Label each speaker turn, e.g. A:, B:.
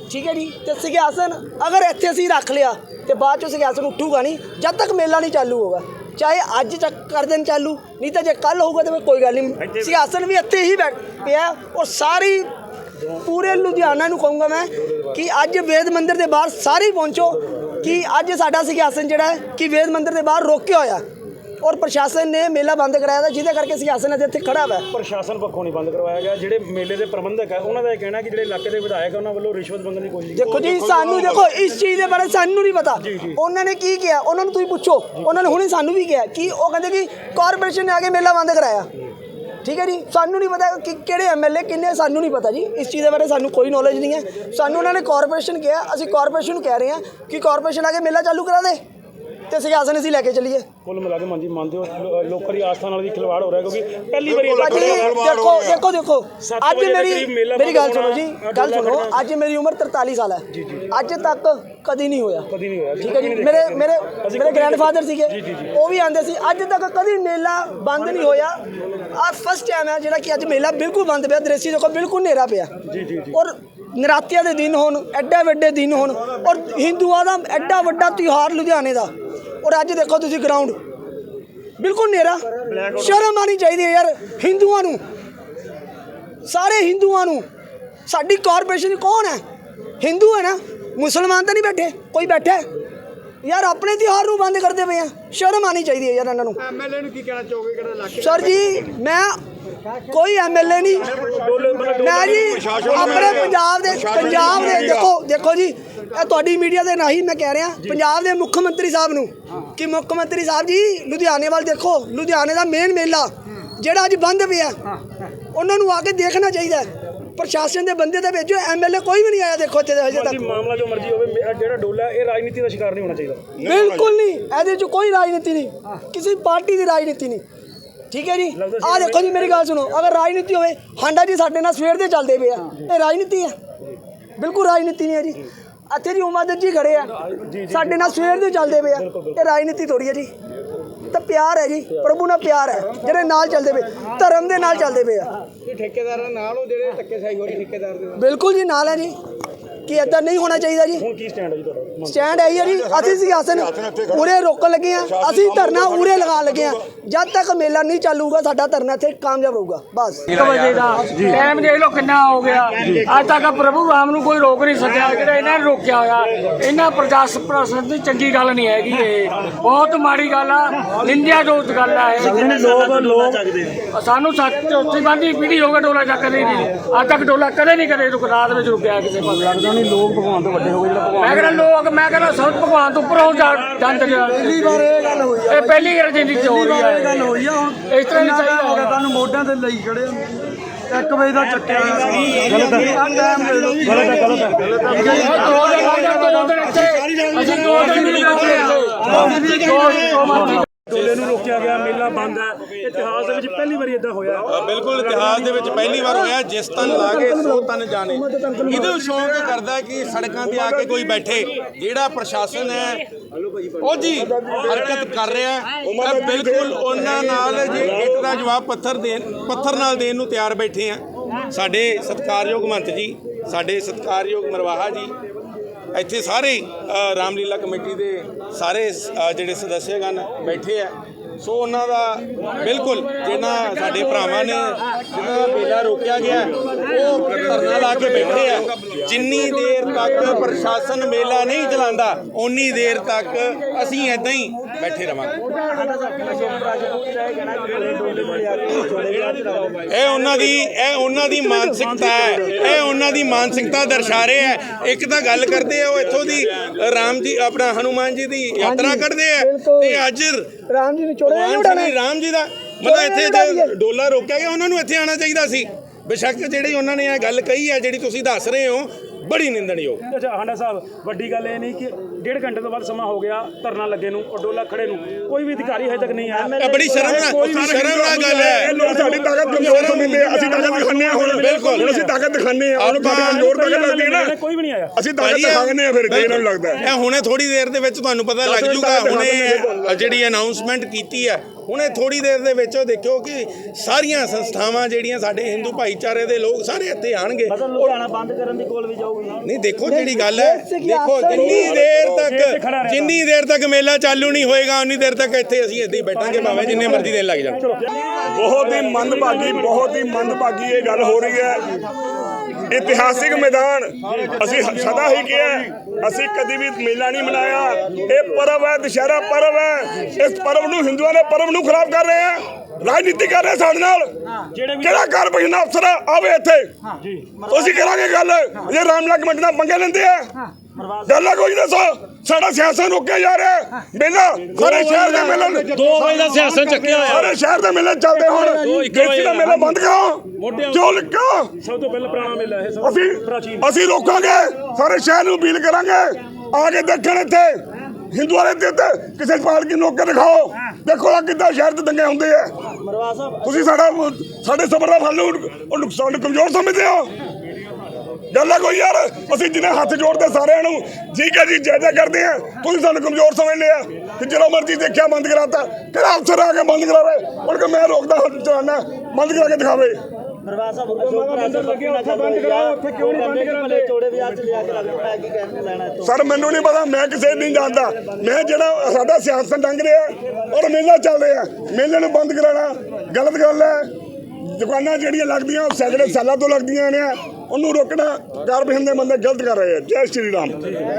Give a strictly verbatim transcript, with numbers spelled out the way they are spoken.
A: ठीक है जी। तो सिंघासन अगर इत्थे असीं रख लिया तो बाद चों सिंघासन उठूगा नहीं जब तक मेला नहीं चालू होगा, चाहे अज तक कर देन चालू, नहीं तो जो कल होगा तो कोई गल नहीं। सिंघासन भी इत्थे ही बैठ पिया और सारी पूरे लुधियाना नूं कहूँगा मैं कि अज वेद मंदिर के बाहर सारे पहुँचो कि अज साडा सिंघासन जिहड़ा है कि वेद मंदिर के बाहर रोकिया होया और प्रशासन ने मेला बंद कराया था, जिहदे करके सिंघासन अज इत्थे खड़ा है।
B: प्रशासन पक्षों नहीं बंद करवाया गया, जिहड़े मेले के प्रबंधक है उन्होंने यह कहना कि जिहड़े इलाके के विधायक है उन्होंने वालों रिश्वत मंगण की कोशिश।
A: देखो जी सानू देखो इस चीज़ के बारे सानू नहीं पता उन्होंने की किया, उन्होंने तुसीं पुछो, उन्होंने हुणे सानू भी किया कि वो कहते कि कॉरपोरेशन ने आके मेला बंद कराया। ठीक है जी, सानू नहीं पता कि किहड़े एम एल ए किन्ने, सानू नहीं पता जी इस चीज़ के बारे सानू कोई नॉलेज नहीं है। सानू उन्होंने कॉरपोरेशन किया, असीं कॉरपोरेशन कह रहे हैं कि कॉरपोरेशन आके मेला चालू करा दे तो सिंघासन असीं लैके चलीए।
B: कुल मिला के मानजी मानते हो लोगों की आस्था नाल भी खिलवाड़ हो रहा है, क्योंकि पहली बार
A: देखो देखो देखो अज मेरी मेरी गल सुनो जी, गल सुनो, अज मेरी उम्र तरताली साल है, अज तक कभी नहीं होया। ठीक है जी, मेरे मेरे मेरे ग्रैंड फादर सीगे वो भी आते सी, अज तक कभी मेला बंद नहीं होया। आ फर्स्ट टाइम है जिहड़ा कि अज मेला बिल्कुल बंद पिया, दृश्य देखो बिल्कुल नेरा पिया और नरातिया के दिन होन, एडे वड्डे दिन होन और हिंदुओं का एडा वड्डा त्यौहार लुधियाने का, और अज देखो तुसीं ग्राउंड बिल्कुल नेरा। शर्म आनी चाहिए यार हिंदुओं नूं, सारे हिंदुओं नूं। साडी कॉरपोरेशन कौन है? हिंदू है ना, मुसलमान तो नहीं बैठे, कोई बैठा है यार अपने त्यौहार नूं बंद करते पे हैं। शर्म आनी चाहिए यार इन्हां नूं।
C: एमएलए नूं की कहना चाहोगे किहड़ा इलाके?
A: सर जी मैं कोई एम एल ए नहीं, मैं जी अपने पंजाब दे पंजाब दे देखो देखो जी तुहाडी मीडिया दे नहीं मैं कह रहा पंजाब दे मुख्य मंत्री साहब नूं कि मुख्य मंत्री साहब जी लुधियाने वाल देखो, लुधियाने का मेन मेला जिहड़ा अज बंद पिया उन्हां नूं आके देखना चाहिए। प्रशासन के बंदे तो भेजो, एम एल ए कोई भी नहीं आया देखो इत्थे अजे तक।
B: मामला जो मर्जी होवे, जिहड़ा डोला ये राजनीति का शिकार नहीं होना चाहिए।
A: बिल्कुल नहीं, इहदे च कोई राजनीति नहीं, किसी पार्टी की राजनीति नहीं। ठीक है जी, आ देखो जी मेरी गल सुनो, अगर राजनीति होवे हांडा जी साडे नाल सवेर दे चलदे पे आ, ये राजनीति है? बिल्कुल राजनीति नहीं है जी। इत्थे जी उमादत जी खड़े आ साडे नाल सवेर दे चलदे पे आ, ये राजनीति थोड़ी है जी। तो प्यार है जी, प्रभु नाल प्यार है, जिहड़े नाल चलदे पे धर्म दे नाल चलदे पे आ।
C: ठेकेदार नाल हो जिहड़े धक्केशाही हो रही ठेकेदार दे?
A: बिल्कुल जी नाल है जी कि इदा नहीं होना चाहिए जी।
B: ਹੁਣ ਕੀ ਸਟੈਂਡ ਹੈ ਜੀ ਤੁਹਾਡਾ?
A: स्टैंड है जी असीं सिंघासन उरे रोकन लगे हैं, असीं धरना उरे लगा लगे हैं, जब तक मेला नहीं चालू होगा साडा धरना इत्थे कामयाब होगा बस।
D: एक बजे का टाइम देख लो कितना हो गया, अज तक प्रभु राम नूं कोई रोक नहीं सकिया, जिहड़ा इन्हां ने रोकिया होया इन्हां प्रशासन दी चंगी गल नहीं हैगी, ये बहुत माड़ी गल आ, निंदियाजोग गल है।
B: लोग लोग
D: सानू चौथी पांचवी पीढ़ी हो गई डोला चकदे नहीं, अज तक डोला कदे नहीं कदे रात में रुकिया किसी पासे।
B: लगदा नहीं लोग भगवान तो ਵੱਡੇ ਹੋ ਗਏ, ਜਿਹੜਾ
D: मैं कहना लोग मैं कहना सब भगवान तो उपर हो जाते पहली बार ये गल हुई है, पहली राजनीति हो रही है गल हुई है। इस तरह नहीं चाहिए तुहानू मोढिਆਂ ਤੇ ਲਈ ਖੜੇ एक बजे का चक्किया गलत है, टाइम दे दो गलत है गलत है गलत है। दो दिन ਇੱਥੇ ਅਸੀਂ ਦੋ ਦਿਨ ਨਹੀਂ ਇੱਥੇ
B: डोले नूं रोकिया गया, मेला बंद है, इतिहास दे विच पहली बार इदां होया।
E: बिल्कुल इतिहास दे विच पहली बार होया, जिस तन ला के सो तन जाने। इहदे शौक करदा कि सड़कों ते आके कोई बैठे, जिहड़ा प्रशासन है ਉਹ ਜੀ हरकत कर रहा है बिल्कुल उन्हां नाल जे इट दा जवाब पत्थर देन पत्थर नाल देन नूं तैयार बैठे हैं। साडे सत्कारयोग महंत जी, साडे सत्कारयोग मरवाहा जी, ਇੱਥੇ ਸਾਰੇ ਰਾਮਲੀਲਾ ਕਮੇਟੀ ਦੇ ਸਾਰੇ ਜਿਹੜੇ ਸਦੱਸਿਆਗਣ ਬੈਠੇ ਆ। ਸੋ ਉਹਨਾਂ ਦਾ ਬਿਲਕੁਲ ਜਿਹਨਾਂ ਸਾਡੇ ਭਰਾਵਾਂ ਨੇ ਜਿਹਨਾਂ ਦਾ ਮੇਲਾ ਰੋਕਿਆ ਗਿਆ ਉਹ ਧਰਨਾ ਲਾ ਕੇ ਬੈਠੇ ਆ। ਜਿੰਨੀ ਦੇਰ ਤੱਕ ਪ੍ਰਸ਼ਾਸਨ ਮੇਲਾ ਨਹੀਂ ਚਲਾਉਂਦਾ ਉਨੀ ਦੇਰ ਤੱਕ ਅਸੀਂ ਇੱਦਾਂ ਹੀ ਬੈਠੇ ਰਵਾਂਗੇ। ਇਹ ਉਹਨਾਂ ਦੀ ਇਹ ਉਹਨਾਂ ਦੀ ਮਾਨਸਿਕਤਾ ਹੈ, ਇਹ ਉਹਨਾਂ ਦੀ ਮਾਨਸਿਕਤਾ ਦਰਸਾ ਰਹੇ ਹੈ। ਇੱਕ ਤਾਂ ਗੱਲ ਕਰਦੇ ਆ ਉਹ ਇੱਥੋਂ ਦੀ ਰਾਮ ਜੀ ਆਪਣਾ ਹਨੂਮਾਨ ਜੀ ਦੀ ਯਾਤਰਾ ਕੱਢਦੇ ਆ ਤੇ ਅੱਜ
A: ਰਾਮ ਜੀ
E: ਰਾਮ ਜੀ ਦਾ ਮਤਲਬ ਇੱਥੇ ਡੋਲਾ ਰੋਕਿਆ ਗਿਆ, ਉਹਨਾਂ ਨੂੰ ਇੱਥੇ ਆਉਣਾ ਚਾਹੀਦਾ ਸੀ। ਬੇਸ਼ੱਕ ਜਿਹੜੀ ਉਹਨਾਂ ਨੇ ਇਹ ਗੱਲ ਕਹੀ ਹੈ ਜਿਹੜੀ ਤੁਸੀਂ ਦੱਸ ਰਹੇ ਹੋ बड़ी निंदणयोग।
B: अच्छा हांडा साहब वड्डी गल ये नहीं कि डेढ़ घंटे तो बाद समा हो गया धरना लगे नूं और डोला खड़े नूं, कोई भी अधिकारी हजे तक नहीं आया।
E: बड़ी शर्म शर्मनाक गल है।
F: लोग साडी ताकत कमजोर समझदे आ, ਅਸੀਂ ਤਾਕਤ ਦਿਖਾਉਂਦੇ ਆ। ਹੁਣ ਬਿਲਕੁਲ ਹੁਣ ਅਸੀਂ ਤਾਕਤ ਦਿਖਾਉਂਦੇ ਆ, ਉਹਨੂੰ ਸਾਡੀ ਕਮਜ਼ੋਰ ਤਾਕਤ ਲੱਗਦੀ ਹੈ ਨਾ,
B: ਕੋਈ ਵੀ ਨਹੀਂ ਆਇਆ।
F: ਅਸੀਂ ਤਾਕਤ ਦਿਖਾਉਂਦੇ ਆ ਫਿਰ ਜੇ ਇਹਨਾਂ ਨੂੰ ਲੱਗਦਾ
E: ਇਹ ਹੁਣੇ ਥੋੜੀ ਦੇਰ ਦੇ ਵਿੱਚ ਤੁਹਾਨੂੰ ਪਤਾ ਲੱਗ ਜੂਗਾ। ਹੁਣੇ ਜਿਹੜੀ ਅਨਾਉਂਸਮੈਂਟ ਕੀਤੀ ਹੈ ਹੁਣੇ ਥੋੜੀ ਦੇਰ ਦੇ ਵਿੱਚ ਉਹ ਦੇਖਿਓ ਕਿ ਸਾਰੀਆਂ ਸੰਸਥਾਵਾਂ ਜਿਹੜੀਆਂ ਸਾਡੇ ਹਿੰਦੂ ਭਾਈਚਾਰੇ ਦੇ ਲੋਕ ਸਾਰੇ ਇੱਥੇ ਆਣਗੇ।
C: ਲੁਧਿਆਣਾ ਬੰਦ ਕਰਨ ਦੀ ਕੋਲ ਵੀ ਜਾਊਗੀ।
E: ਨਹੀਂ ਦੇਖੋ ਜਿਹੜੀ ਗੱਲ ਹੈ, ਦੇਖੋ ਜਿੰਨੀ ਦੇਰ ਤੱਕ ਜਿੰਨੀ ਦੇਰ ਤੱਕ ਮੇਲਾ ਚਾਲੂ ਨਹੀਂ ਹੋਏਗਾ ਉਨੀ ਦੇਰ ਤੱਕ ਇੱਥੇ ਅਸੀਂ ਇੱਦਾਂ ਹੀ ਬੈਠਾਂਗੇ, ਭਾਵੇਂ ਜਿੰਨੇ ਮਰਜ਼ੀ ਦਿਨ ਲੱਗ ਜਾਣ।
F: ਬਹੁਤ ਹੀ ਮੰਦਭਾਗੀ ਬਹੁਤ ਹੀ ਮੰਦਭਾਗੀ ਇਹ ਗੱਲ ਹੋ ਰਹੀ ਹੈ। ਇਤਿਹਾਸਿਕ ਮੈਦਾਨ ਅਸੀਂ ਸਦਾ ਹੀ ਕਿਹਾ, ਅਸੀਂ ਕਦੀ ਵੀ ਮੇਲਾ ਨਹੀਂ ਮਨਾਇਆ। ਇਹ ਪਰਵ ਹੈ, ਦੁਸ਼ਹਿਰਾ ਪਰਵ ਹੈ। ਇਸ ਪਰਵ ਨੂੰ ਹਿੰਦੂਆਂ ਦੇ ਪਰਵ ਨੂੰ ਖਰਾਬ ਕਰ ਰਹੇ ਆ, ਰਾਜਨੀਤੀ ਕਰ ਰਹੇ ਸਾਡੇ ਨਾਲ। ਕਿਹੜਾ ਕਾਰਪੋਰੇਸ਼ਨ ਅਫਸਰ ਆਵੇ ਇੱਥੇ, ਅਸੀਂ ਕਰਾਂਗੇ ਗੱਲ। ਜੇ ਰਾਮਲਾ ਕਮੇਟੀ ਨਾਲ ਪੰਗੇ ਲੈਂਦੇ ਆ, ਗੱਲ ਕੋਈ ਦੱਸੋ। ਸਾਡਾ ਸਿਆਸਤ ਰੋਕਿਆ ਜਾ ਰਿਹਾ। ਮੇਲਾ ਸਾਰੇ ਸ਼ਹਿਰ ਦੇ ਮੇਲੇ
B: ਦੋ ਵਜੇ ਦਾ ਸਿਆਸਤ ਚੱਕਿਆ ਹੋਇਆ,
F: ਸਾਰੇ ਸ਼ਹਿਰ ਦੇ ਮੇਲੇ ਚੱਲਦੇ ਹੁਣ। ਦੇਸੀ ਦਾ ਮੇਲਾ ਬੰਦ ਕਰੋ, ਜੋ ਲਿਖੋ।
B: ਸਭ ਤੋਂ ਪਹਿਲਾਂ ਪੁਰਾਣਾ ਮੇਲਾ ਇਹ ਸਭ
F: ਅਸੀਂ ਅਸੀਂ ਰੋਕਾਂਗੇ, ਸਾਰੇ ਸ਼ਹਿਰ ਨੂੰ ਅਪੀਲ ਕਰਾਂਗੇ ਆ ਕੇ ਦੇਖਣ ਇੱਥੇ ਹਿੰਦੂਆਂ ਦੇ ਤੇ ਕਿਸੇ ਪਾਲਕੀ ਨੋਕ ਕੇ ਦਿਖਾਓ। ਦੇਖੋ ਆ ਕਿੱਦਾਂ ਸ਼ਹਿਰ 'ਚ ਦੰਗੇ ਹੁੰਦੇ ਆ। ਤੁਸੀਂ ਸਾਡਾ ਸਾਡੇ ਸਬਰ ਦਾ ਫਲ ਨੂੰ ਨੁਕਸਾਨ ਕਮਜ਼ੋਰ ਸਮਝਦੇ ਹੋ। ਗੱਲ ਹੈ ਕੋਈ ਯਾਰ, ਅਸੀਂ ਜਿਹਨੇ ਹੱਥ ਜੋੜਦੇ ਸਾਰਿਆਂ ਨੂੰ ਠੀਕ ਹੈ ਜੀ ਜਾਇਜ਼ਾ ਕਰਦੇ ਆ, ਤੁਸੀਂ ਸਾਨੂੰ ਕਮਜ਼ੋਰ ਸਮਝ ਲਿਆ ਕਿ ਜਦੋਂ ਮਰਜ਼ੀ ਦੇਖਿਆ ਬੰਦ ਕਰਾਤਾ। ਕਿਹੜਾ ਅਫਸਰ ਆ ਕੇ ਬੰਦ ਕਰਾਵੇ? ਹੁਣ ਕਿ ਮੈਂ ਰੋਕਦਾ ਚਲਾਨਾ, ਬੰਦ ਕਰਾ ਕੇ ਦਿਖਾਵੇ। ਸਰ ਮੈਨੂੰ ਨਹੀਂ ਪਤਾ, ਮੈਂ ਕਿਸੇ ਨਹੀਂ ਜਾਣਦਾ। ਮੈਂ ਜਿਹੜਾ ਸਾਡਾ ਸਿਆਸਤ ਲੰਘ ਰਿਹਾ ਔਰ ਮੇਲਾ ਚੱਲ ਰਿਹਾ, ਮੇਲੇ ਨੂੰ ਬੰਦ ਕਰਾਉਣਾ ਗਲਤ ਗੱਲ ਹੈ। ਦੁਕਾਨਾਂ ਜਿਹੜੀਆਂ ਲੱਗਦੀਆਂ ਉਹ ਸੈਂਕੜੇ ਸਾਲਾਂ ਤੋਂ ਲੱਗਦੀਆਂ ਨੇ, ਉਹਨੂੰ ਰੋਕਣਾ ਕਾਰਪੋਰੇਸ਼ਨ ਦੇ ਬੰਦੇ ਗਲਤ ਕਰ ਰਹੇ ਆ। ਜੈ ਸ਼੍ਰੀ ਰਾਮ।